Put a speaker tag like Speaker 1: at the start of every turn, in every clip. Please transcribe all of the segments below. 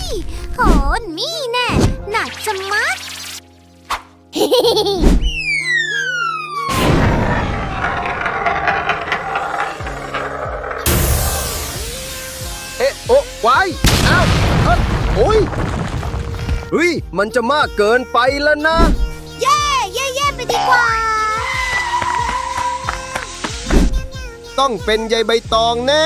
Speaker 1: โหนี่แน่หนักจะมัด
Speaker 2: เอ๊ะโอ้ไว้อ้าวโอ้ยเฮ้ยมันจะมากเกินไปแล้วนะ
Speaker 1: เย่ไปดีกว่า
Speaker 2: ต้องเป็นใยใบตองแน่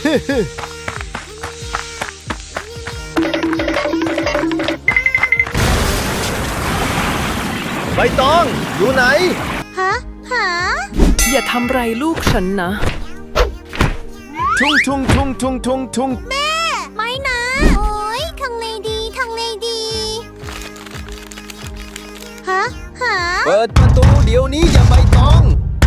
Speaker 2: ใบตองอยู่ไหน
Speaker 1: ฮะ
Speaker 3: อย่าทำไรลูกฉันนะ
Speaker 2: ทุ่ง
Speaker 1: ไม่นะ โอ้ยทางเลดีฮะ
Speaker 2: เปิดประตูเดี๋ยวนี้อย่าใบตอง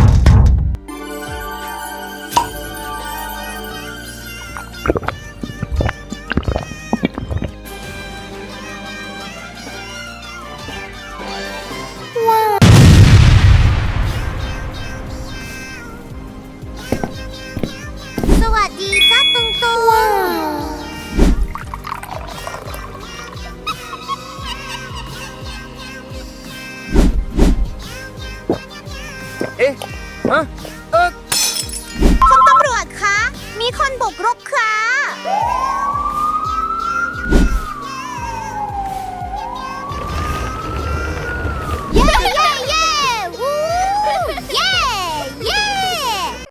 Speaker 1: สวัสดีจ้าตุง
Speaker 2: เอ๊ะฮะ
Speaker 1: คุณตำรวจคะ มีคนบุกรุกค่ะ